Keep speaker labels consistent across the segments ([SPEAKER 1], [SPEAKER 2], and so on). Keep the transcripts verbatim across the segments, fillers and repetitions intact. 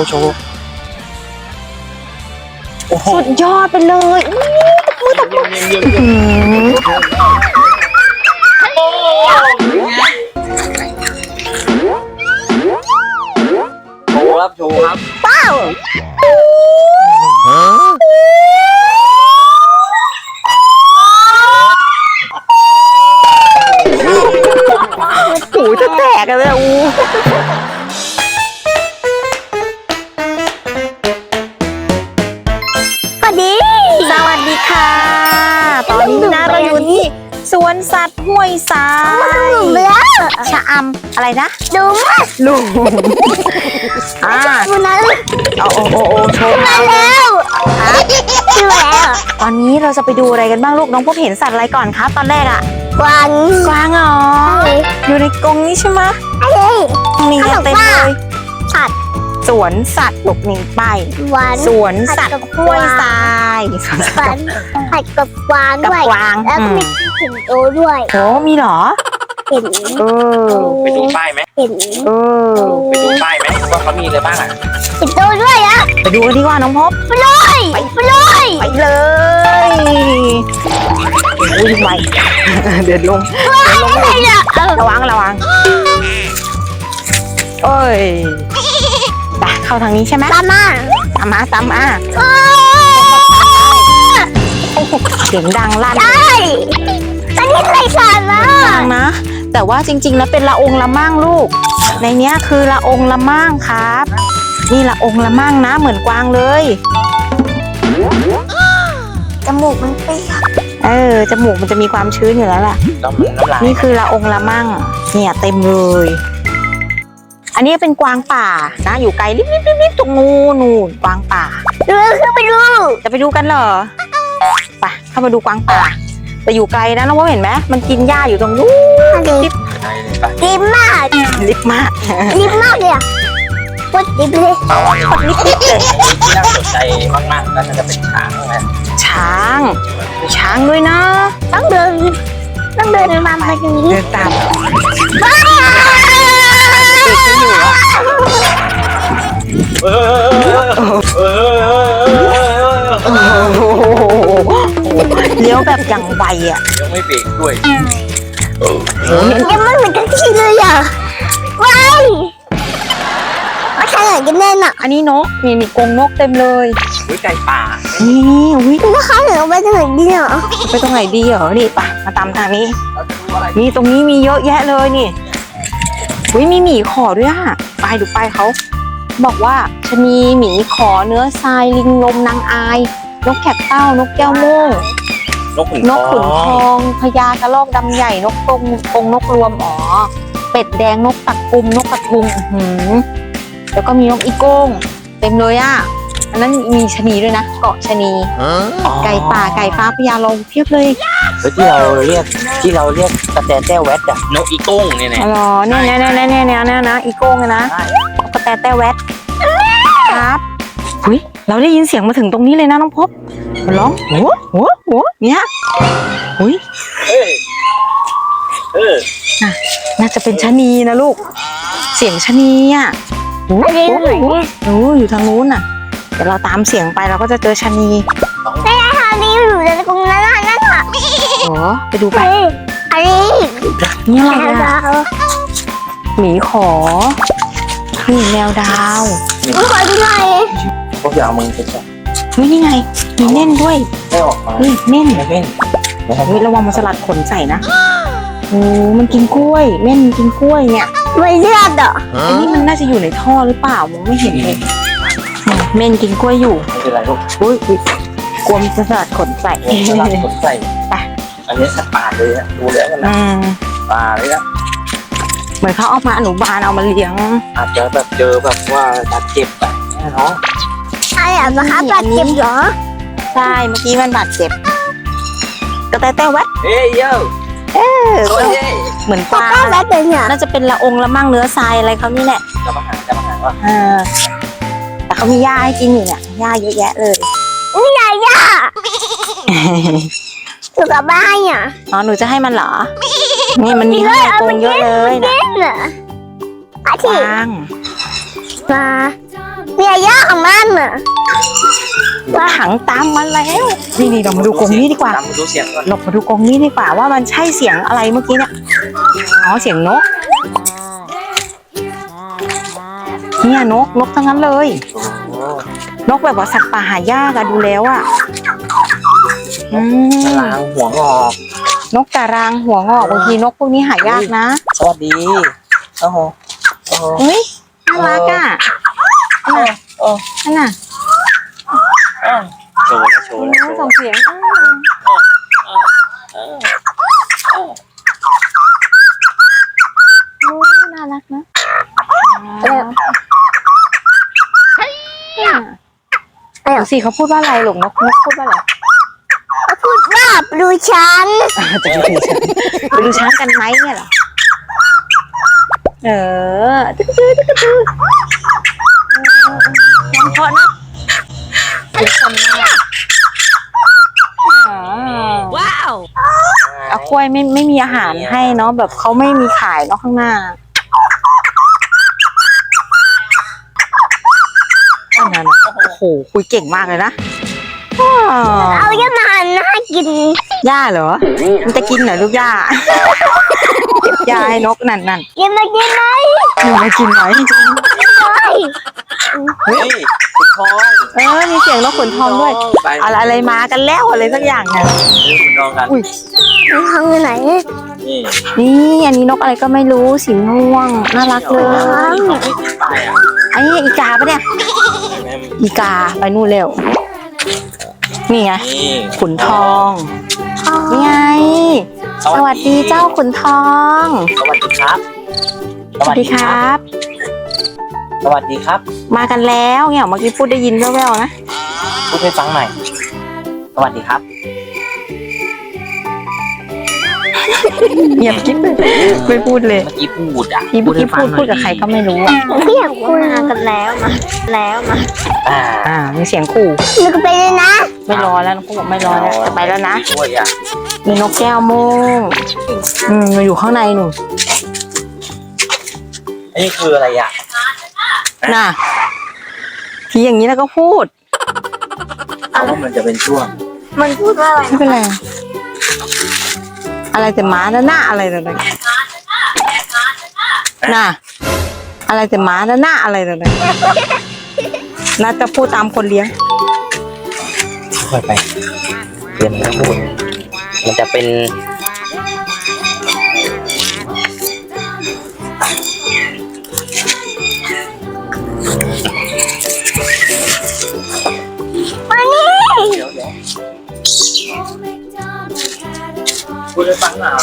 [SPEAKER 1] ว์โชว์โอ้โห
[SPEAKER 2] สุดยอดไปเลยอู้ตะปูตะปู
[SPEAKER 1] เยี่ยมเยี่ยมเยี่ยมโชว์ครับโชว์ครับ
[SPEAKER 2] เป้าหูจะแตกกันเลยอู้สวัสดีสวัสดีค่ะ ตอนนี้นะเราอยู่ที่สวนสัตว์ห้วยทรายชะอำอะไรนะดูมาลุงอ่าเอาโอ้โอ้โอ้โชว์มาแล้วดูแล้วตอนนี้เราจะไปดูอะไรกันบ้างลูกน้องพบเห็นสัตว์อะไรก่อนครับตอนแรกอะกวางกวางเหรออยู่ในกรงนี้ใช่ไหมนี่เต็มเลยสัตว์สวนสัตว์ลูกนี่ไปสวนสัตว์ห้วยทรายสวนสัตว์
[SPEAKER 3] ผัดกับกวาง
[SPEAKER 2] กับ
[SPEAKER 3] ด้วย
[SPEAKER 2] กวาง
[SPEAKER 3] แล้วก็มีสิงโตด้วย
[SPEAKER 2] โอ้มีเหรอ
[SPEAKER 3] เห็น
[SPEAKER 2] เออ
[SPEAKER 1] ไปดูป้ายไหม
[SPEAKER 3] เห็น
[SPEAKER 2] เออ
[SPEAKER 1] ไปดูป้ายไหมว่าเขามีอะไรบ้างอ่ะ
[SPEAKER 3] สิงโตด้วยอะ
[SPEAKER 2] ไปดูกันดีกว่าน้องพบ
[SPEAKER 3] ไปเลยไปเลย
[SPEAKER 2] ไปเลยอุ้ยไวเดินลงเดินลง
[SPEAKER 3] อะไรเนี่ยเออ
[SPEAKER 2] ระวังระวังเอ้ยไปเข้าทางนี้ใช่ไหม
[SPEAKER 3] ตามมา
[SPEAKER 2] ตามมาตามมาเสียงดังลั่น
[SPEAKER 3] ใช่ตอนนี้ใครสานมา
[SPEAKER 2] ดังนะ แต่ว่าจริงๆแล้วเป็นละองละมั่งลูก ในเนี้ยคือละองละมั่งครับ นี่ละองละมั่งนะเหมือนกวางเลยจมูกมันเปียกเออจมูกมันจะมีความชื้นอยู่แล้วล่ะ
[SPEAKER 1] น้ำน้ำลาย
[SPEAKER 2] นี่คือละองละมั่งเนี่ยเต็มเลยอันนี้เป็นกวางป่านะอยู่ไกลลิบๆๆๆตรงงูนูนกวางป่า
[SPEAKER 3] เรือขึ้นไปดู
[SPEAKER 2] จะไปดูกันเหรอไปเข้ามาดูกวางป่าแต่อยู่ไกลนะน้องว่าเห็นไหมมันกินหญ้าอยู่ตรงนู้น
[SPEAKER 3] ดิบ
[SPEAKER 1] ใช่เลยปะ
[SPEAKER 3] ดิบมาก
[SPEAKER 2] ลิบมาก
[SPEAKER 3] ดิบมากเลยอะพูดดิบเลย
[SPEAKER 2] กดลิบๆเลย
[SPEAKER 1] ที่น่าสนใจมากๆก็น่าจะเป็นช้างนะ
[SPEAKER 2] ช้างมีช้างด้วยนะ
[SPEAKER 3] ต้องเดินต้องเดินมามาตรงนี้
[SPEAKER 2] เดินตามเด็กไม่อยู่อะ
[SPEAKER 1] เออ
[SPEAKER 2] เลี้ยวแบบอย่างไวอ่ะ
[SPEAKER 1] ยังไม่เบรกด้วย
[SPEAKER 3] ยังไม่เหมือนกันที่เลยอ่ะว้ายมาใครอยากกินแน่น่ะ
[SPEAKER 2] อันนี้นกมีมีกรงนกเต็มเลย
[SPEAKER 1] อุ้ยไก่ป่า
[SPEAKER 2] นี่อุ้ย
[SPEAKER 3] แล้วเขาเหนือไปทางไหนดีอ่ะ
[SPEAKER 2] ไปตรงไหนดีเหรอนี่ไปมาตามทางนี้
[SPEAKER 1] เราจะดูอะไร
[SPEAKER 2] นี่ตรงนี้มีเยอะแยะเลยนี่อุ้ยมีหมีขอด้วยอ่ะไปดูไปเขาบอกว่าชะนีหมีขอเนื้อทรายลิงลมนางอายนกแขกเต้านกแก้วโม่ง
[SPEAKER 1] นกขุน
[SPEAKER 2] นกขุนทองพญากระรอกดำใหญ่นกกรงกรงนกรวมอ๋อเป็ดแดงนกตักกุมนกกระทุงอื้อหือแล้วก็มีนกอีโก้งเต็มเลยอ่ะอันนั้นมีชะนีด้วยนะเกาะชะนีไก่ป่าไก่ฟ้าพญาลงเพียบเลย
[SPEAKER 1] ที่เราเรียกที่เราเรียกกระแตแต้วแวดอะนกอีโก้งเนี่ย
[SPEAKER 2] อ๋อเหรอเนี่ยเนี่ยเนี่ยเนี่ยเนี่ยเนี่ยนะอีโก้งเลยนะกระแตแต้แวดครับหุยเราได้ยินเสียงมาถึงตรงนี้เลยนะน้องพบมันร้องหัวหัวหัวเนี่ยหุย
[SPEAKER 1] เออเออ
[SPEAKER 2] น่าจะเป็นชะนีนะลูกเสียงชะนีอ่ะโอ้โหโอ้อยู่ทางนู้นน่ะเดี๋ยวเราตามเสียงไปเราก็จะเจอชะนี
[SPEAKER 3] ทางนี้อยู่ในกรงนั้นน่ะนั่นอ่ะ
[SPEAKER 2] โอ้ไปดูไป
[SPEAKER 3] อันนี้
[SPEAKER 2] นี่อะไร
[SPEAKER 3] แมว
[SPEAKER 2] อ่ะ
[SPEAKER 3] ดาว
[SPEAKER 2] หมีขอนี่แมวดาว
[SPEAKER 3] มีคนที่ไหน
[SPEAKER 1] พวกอย่าเอามือไปจับ
[SPEAKER 2] เฮ้ยนี่ไงมีเน่นด้วย
[SPEAKER 1] ไม่ออกมา
[SPEAKER 2] เฮ้ยเน่น
[SPEAKER 1] ไม่เล่นนะครับ
[SPEAKER 2] เฮ้ยระวังมันสลัดขนใส่นะโอ้มันกินกล้วยเม่นกินกล้วยเนี่ย
[SPEAKER 3] ไม่เลือดอ่ะ
[SPEAKER 2] อันนี้มันน่าจะอยู่ในท่อหรือเปล่ามองไม่เห็นเลยเนี่ยเม่นกินกล้วยอยู่
[SPEAKER 1] ไม่เป็นไรลูก
[SPEAKER 2] อุ้ยอุ๊ยกลัวมันจะสลัดขนใส่
[SPEAKER 1] สลัดขนใส่
[SPEAKER 2] ไป
[SPEAKER 1] อันนี้สัตว์ป่าเลยอะดูแล้วกันนะ
[SPEAKER 2] อืม
[SPEAKER 1] ป่าเลยนะ
[SPEAKER 2] เหมือนเขาเอามาอนุบาลเอามาเลี้ยง
[SPEAKER 1] อาจจะแบบเจอแบบว่าบาดเจ็บอะเนาะ
[SPEAKER 3] อะไรอ่ะมาครับบาดเจ็บเหรอ
[SPEAKER 2] ใช่เมื่อกี้มันบาดเจ็บกระแตแต้แวด
[SPEAKER 1] เฮ้ยโย่
[SPEAKER 2] เออ
[SPEAKER 1] โอ้ย
[SPEAKER 2] เหมือนกวาง
[SPEAKER 3] ก็แบบเป็นเนี่ย
[SPEAKER 2] น่าจะเป็นละองละมั่งเนื้อทรายอะไรเขานี่แหละ
[SPEAKER 1] จะมาหาจะมาหาว่า
[SPEAKER 2] เออแต่เขามีหญ้าให้กินอยู่เนี่ยหญ้าเยอะแยะเลย
[SPEAKER 3] นี่ไงย่าอยู่กับบ้านอ่ะ
[SPEAKER 2] อ๋อหนูจะให้มันเหรอนี่มันมีให้ในกรงเยอะเลยนะ
[SPEAKER 3] เล่นเหรออา
[SPEAKER 2] ก
[SPEAKER 3] ทิตย์
[SPEAKER 2] วาง
[SPEAKER 3] มาเนี่ยย่าของมันอ่ะ
[SPEAKER 2] ถังตามมาแล้วนี่นี่เรามาดูกรงนี้ดีกว่า
[SPEAKER 1] ตามดูเสียงก่อน
[SPEAKER 2] เรามาดูกรงนี้ดีกว่าว่ามันใช่เสียงอะไรเมื่อกี้เนี่ยอ๋อเสียงนกเนี่ยนกนกทั้งนั้นเลย
[SPEAKER 1] โอ้
[SPEAKER 2] นกแบบว่าสัตว์ป่าหายากอะดูแล้วอะอืม
[SPEAKER 1] ตารางหัวงอก
[SPEAKER 2] นกตารางหัวงอกบางทีนกพวกนี้หายากนะ
[SPEAKER 1] สวัสดีโอ้โหโอ้โห
[SPEAKER 2] เฮ้ยน่ารักอะนั่นน่ะ
[SPEAKER 1] โอ้
[SPEAKER 2] นั่นน่ะ
[SPEAKER 1] โชว์แล้วโชว์แล้วโช
[SPEAKER 2] ส่ง
[SPEAKER 1] ว์
[SPEAKER 2] เสียงโอ้ยน่ารักนะดูสิเขาพูดว่าอะไรหลงนกนกพูดว่าอะไร
[SPEAKER 3] เขาพูดว่าปลูฉัน
[SPEAKER 2] จะไปดูช้างไปดูช้างกันไหมเนี่ยเหรอเออตึ๊กตึ๊กตึ๊กตึ๊กน้องเพาะนะเสียงคนมากว้าวเอากล้วยไม่ไม่มีอาหารให้เนาะแบบเขาไม่มีขายเนาะข้างหน้าอันนั้นโอ้โหคุยเก่งมากเลยนะ
[SPEAKER 3] เอาย่ามันให้กิน
[SPEAKER 2] หญ้าเหรอมันจะกินเหรอลูกหญ้าเก็บหญ้าให้นกนั่นนั่น
[SPEAKER 3] กินมากินไหม
[SPEAKER 2] มันมากินไหม
[SPEAKER 3] เฮ้ย
[SPEAKER 1] เฮ้ยคุณทอง
[SPEAKER 2] เออมีเสียงนกขนทองด้วย
[SPEAKER 1] ไป
[SPEAKER 2] อะไรอะไรมากันแล้วอะไรสักอย่างเนี่ย
[SPEAKER 1] คุณทองกัน
[SPEAKER 2] อุ้ย
[SPEAKER 3] มันทำอยู่ไหน
[SPEAKER 1] นี่
[SPEAKER 2] นี่อันนี้นกอะไรก็ไม่รู้สีม่วงน่ารักเลย
[SPEAKER 1] เขาไม่ติดป้ายอ่ะ
[SPEAKER 2] ไอ้นี่อีกาปะเนี่ย
[SPEAKER 1] แม่
[SPEAKER 2] อีกาไปนู่นเร็วนี่ไง
[SPEAKER 1] นี่
[SPEAKER 2] ขุนทองนี่ไงสวัสดีเจ้าขุนทอง
[SPEAKER 1] สวัสดีครับ
[SPEAKER 2] สวัสดีครับ
[SPEAKER 1] สวัสดีครับ
[SPEAKER 2] มากันแล้วเนี่ยเมื่อกี้พูดได้ยินแว่วๆนะ
[SPEAKER 1] พูดให้ฟังหน่อยสวัสดีครับ
[SPEAKER 2] เงียบกิ๊บเลยไม่พูดเลย
[SPEAKER 1] เมื่อกี้พูดอ่ะ
[SPEAKER 2] พี่เมื่อกี้พูดพูดกับใครก็ไม่รู้อ่ะ
[SPEAKER 3] ไม่อยากพูดมากันแล้วมาแล้วมา
[SPEAKER 1] อ่า
[SPEAKER 2] อ่ามีเสียงขู่
[SPEAKER 3] นึกไปเลยนะ
[SPEAKER 2] ไม่รอแล้วน้องบอกไม่รอแล้วจะไปแล้วนะ
[SPEAKER 1] ช่วยอ่ะ
[SPEAKER 2] มีนกแก้วโม่งอืมมันอยู่ข้างในหนู
[SPEAKER 1] อันนี้คืออะไรอ่ะ
[SPEAKER 2] น่ะทีอย่างนี้แล้วก็พูด
[SPEAKER 1] เอาว่ามันจะเป็นช่วง
[SPEAKER 3] มันพูดว่าอะไร
[SPEAKER 2] ไม่เป็นไร อะไรแต่หมาแล้วหน้าอะไรแต่ไหนน่ะ อะไรแต่หมาแล้วหน้าอะไรแต่ไหนน่าจะพูดตามคนเลี้ยง
[SPEAKER 1] ค่อยไปเรียนไม่พูดมันจะเป็น
[SPEAKER 3] มานี่
[SPEAKER 1] เดี๋ยวเดี๋ยวพูดให้ฟังหน่อย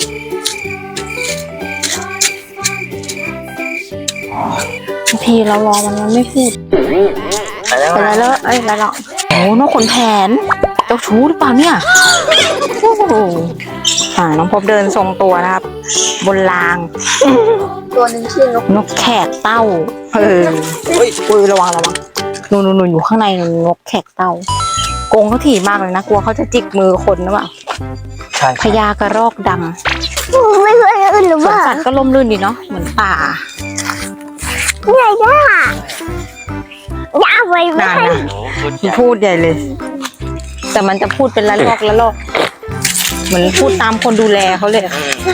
[SPEAKER 2] ทีเรารอมันมันไม่พูด
[SPEAKER 1] ไปแล้ว
[SPEAKER 2] ไปแล้วเอ้ยแล้วโอ้นกขนแผนเจ้าชู้หรือเปล่าเนี่ยโอ้โหอ่าน้องพบเดินทรงตัวนะครับ บนราง
[SPEAKER 3] ตัวหนึ่งชื่อนก
[SPEAKER 2] นกแขกเต้าเออ
[SPEAKER 1] เฮ้ย
[SPEAKER 2] อุ้ยระวังระวังนูนนูนอยู่ข้างในนกแขกเต้ากรงเขาถี่มากเลยนะกลัวเขาจะจิกมือคนหรือเปล่า
[SPEAKER 1] ใช่
[SPEAKER 2] พญากระรอกด
[SPEAKER 3] ไม่เคยอื่นหรือ
[SPEAKER 2] ำสวน
[SPEAKER 3] ว่า
[SPEAKER 2] สัตว์ก็ล่มลื่นดีเนาะเหมือนป่า
[SPEAKER 3] ไงย่าย่าไว้ไม่
[SPEAKER 2] นาน
[SPEAKER 3] ให้
[SPEAKER 2] นะ
[SPEAKER 1] โอ้คุณ
[SPEAKER 2] มันพูดใหญ่เลย แต่มันจะพูดเป็นละลอกละลอกเหมือนพูดตามคนดูแลเขาเลยอะ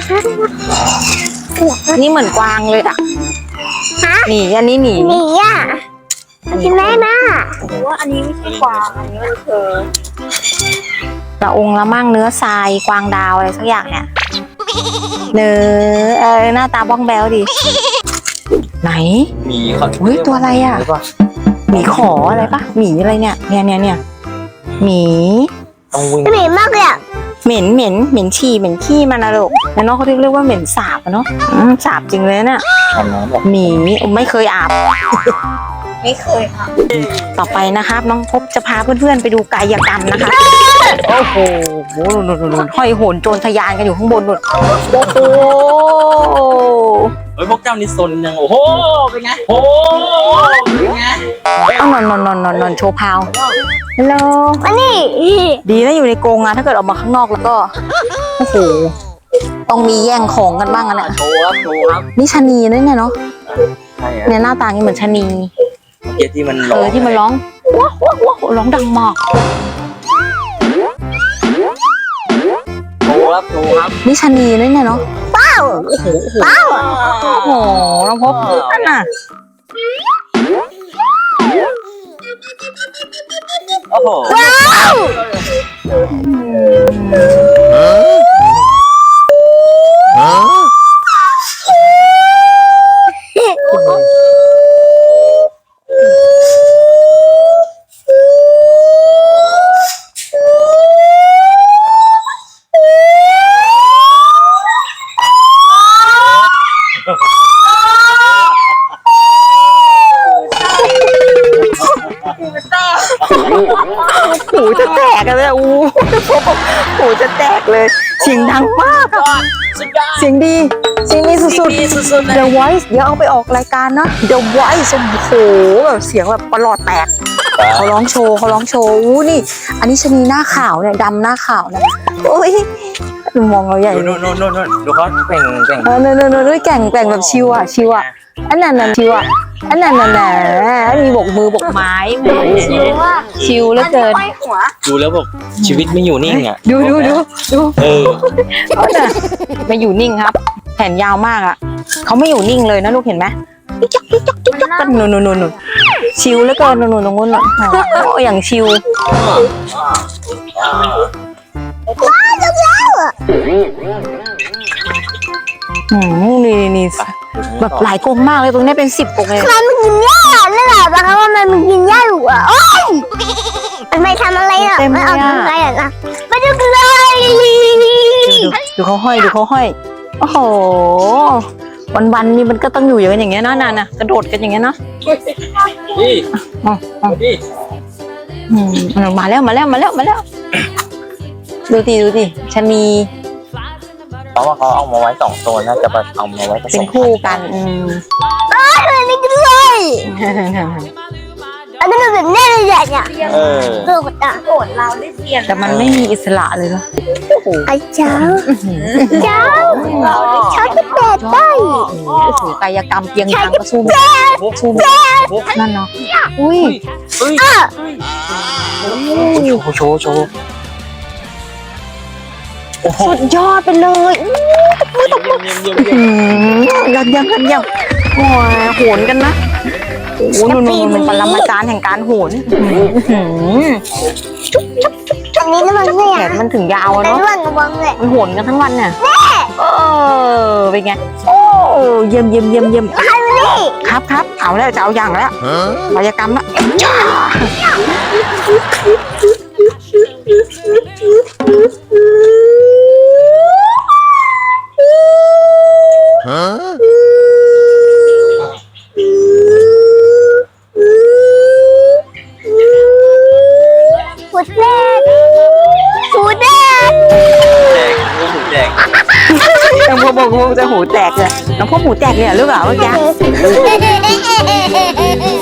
[SPEAKER 2] นี่เหมือนกวางเลยอ่ะ
[SPEAKER 3] ฮะ
[SPEAKER 2] หนีอันนี้หนี
[SPEAKER 3] หนีอ่ะใช่ไหมน่า
[SPEAKER 2] ว่าอันนี้ไม่ใช่กวางอันนี้มันคือละองค์ละมั่งเนื้อทรายกวางดาวอะไรสักอย่างเนี่ยเนื้อเออหน้าตาบ้องแบวดิไหน
[SPEAKER 1] มีเขา
[SPEAKER 2] เฮ้ยตัวอะไรอะ
[SPEAKER 1] หเปล่า
[SPEAKER 2] หมีขออะไรปะหมีอะไรเนี่ยเนี่ยเนี่ยเนี่ยหมี
[SPEAKER 1] ต้องวิ่ง
[SPEAKER 3] หนีมากเลยอ่ะ
[SPEAKER 2] เหม็นเหม็นเหม็นฉี่เหม็นขี้มันนะลูกแล้วน้องเขาเรียกเรียกว่าเหม็นสาบอะเนาะอืมสาบจริงเลยเนี่ย
[SPEAKER 1] ทำน้ำแบบ
[SPEAKER 2] หมีไม่เคยอาบไม่เคยอาบต่อไปนะครับ น้องพบจะพาเพื่อนๆไปดูกายกรรมนะคะโอ้โหโหนุ่นนุ่นนุ่นห้อยโหนโจรทะยานกันอยู่ข้างบนนุ่นโอ้โห
[SPEAKER 1] เฮ้ยพวกเจ้านี่ซนยังโอ้โหเป็นไงโอ้โหเป็นไง
[SPEAKER 2] เอานอนนอนนอนนอนนอนโชว์พาวฮัลโหล
[SPEAKER 3] มานี่
[SPEAKER 2] ดีนะอยู่ในกรงอะถ้าเกิดออกมาข้างนอกแล้วก็โอ้โหต้องมีแย่งของกันบ้างอะเนี่ย
[SPEAKER 1] โชว์ครับโชว์ครับ
[SPEAKER 2] นี่ชะนีนะเนี่ยเนาะ
[SPEAKER 1] ใช่อะ
[SPEAKER 2] เนี่ยหน้าตานี่เหมือนชะนี
[SPEAKER 1] เมื่อกี้ที่มัน
[SPEAKER 2] เอ
[SPEAKER 1] ร้อง
[SPEAKER 2] อที่มันร้องว้าวว้าวว้าวร้องดังมาก
[SPEAKER 1] โทรครับโทรครับ
[SPEAKER 2] นี่ชะนีนั่นเนี่ยเนาะ
[SPEAKER 3] เป้าเป้า
[SPEAKER 2] โอ้โหน้องพบนั่นน่ะ
[SPEAKER 1] โอ้โห
[SPEAKER 3] ว้าว
[SPEAKER 2] หูจะแตกกันเลยอู้หูจะแตกเลยเสียงดังมากอะเสียงดีเสียงดีสุดๆ The Voice เดี๋ยวเอาไปออกรายการนะ The Voice โอ้โหแบบเสียงแบบประหลอดแตกเขาร้องโชว์เขาร้องโชว์อู้นี่ อันนี้ชะนีหน้าขาวเนี่ยดำหน้าขาวนะโอ้ยมองเราใหญ่
[SPEAKER 1] ดูโน่นโน่นโน่นดูเขาเป่งเป่ง
[SPEAKER 2] เออเนอะเนอะเนอะแก่งแก่งแบบชิวอ่ะชิวอ่ะอันนั้นน่ะชิวอ่ะอันนั้นน่ะแหน่มีบกมือบกไม้แหมชิวอ่ะชิวเหลือเกิน
[SPEAKER 1] ดูแล้วแบบชีวิตไม่อยู่นิ่งอ่ะ
[SPEAKER 2] ดูดูดูดู
[SPEAKER 1] เออ
[SPEAKER 2] เขาน่ะไม่อยู่นิ่งครับ แขนยาวมากอ่ะเขาไม่อยู่นิ่งเลยนะลูกเห็นไหมจิ๊กจ๊กจิ๊กจ๊กจิ๊กจ๊กกันนู่นนู่นนู่นชิวเหลือเกินนู่นนู่นตรงนู้นน่ะโอ้อย่างชิวอืมนี่นี่แบบหลายกรงมากเลยตรงนี้เป็นสิบกรงเลย
[SPEAKER 3] มันมันกินหญ้านั่นแหละปะคะว่ามันมันกินหญ้าอยู่อ่ะโอ้ยมันไม่ทำอะไรอ่ะมันเอาทำอะไรอ่ะนะมาดูกันเลย
[SPEAKER 2] ดูดูเขาห้อยดูเขาห้อยโอ้โหวันวันๆนี่มันก็ต้องอยู่อย่างเงี้ยนะนานนะกระโดดกันอย่างเงี้ยเนาะ
[SPEAKER 1] นี่
[SPEAKER 2] อ๋ออ๋อ
[SPEAKER 1] นี่
[SPEAKER 2] อืมมาแล้วมาแล้วมาแล้วมาแล้วดูดิดูดิชะนี
[SPEAKER 1] เพราะว่าเขาเอามาไว้สองตัวน่าจะเอามาไว้ผส
[SPEAKER 2] เป็น
[SPEAKER 1] ม
[SPEAKER 2] คู่กันอืม
[SPEAKER 3] มันไม่กินเลยอันนี้มันแบบแน่เลยเนี่ย
[SPEAKER 1] เออ
[SPEAKER 3] โกรธอ่ะโกรธเราได้เปลี่ยน
[SPEAKER 2] แต่มันไม่มีอิสระเลยเนาะ
[SPEAKER 3] ไอ้เจ้าเจ้าชอบจะแปดได้
[SPEAKER 2] โอ้โหกายกรรมเพียงทางก็สู้ไม่สู้ไม่นั่นเนาะอุ้ย
[SPEAKER 1] เฮ้ย
[SPEAKER 3] อ่ะ
[SPEAKER 1] โชว์โชว์โชว์โอ้โห
[SPEAKER 2] สุดยอดไปเลยอื้อ
[SPEAKER 1] เยี่ยมเยี่ยมเยี่ยมเยี่ยม
[SPEAKER 2] หืมยันยังกันยังโอ้ยโหนกันนะโอ้โหนู่นๆมันปรมาจารย์แห่งการโหนอื้อหือ
[SPEAKER 3] อันนี้น้ำมันไม่
[SPEAKER 2] แข
[SPEAKER 3] อ่ะ
[SPEAKER 2] นมันถึงยาวอะ
[SPEAKER 3] แต่
[SPEAKER 2] เนาะ
[SPEAKER 3] น้ำมันระวังเลย
[SPEAKER 2] มันโหนกันทั้งวันน่ะเออเป็นไงโอ้เยี่ยมเยี่ยมเยี่ยมเยี่ยมครับครับเอาแล้วจะเอาอย่างแล้วกายกรรมละจ้า
[SPEAKER 3] หูแดงหูแดง
[SPEAKER 1] แดงแดง
[SPEAKER 2] น้องพ่อบอกว่าจะหูแตกเลยน้องพ่อหูแตกเลยเหรอลูกเหรอเมื่อกี้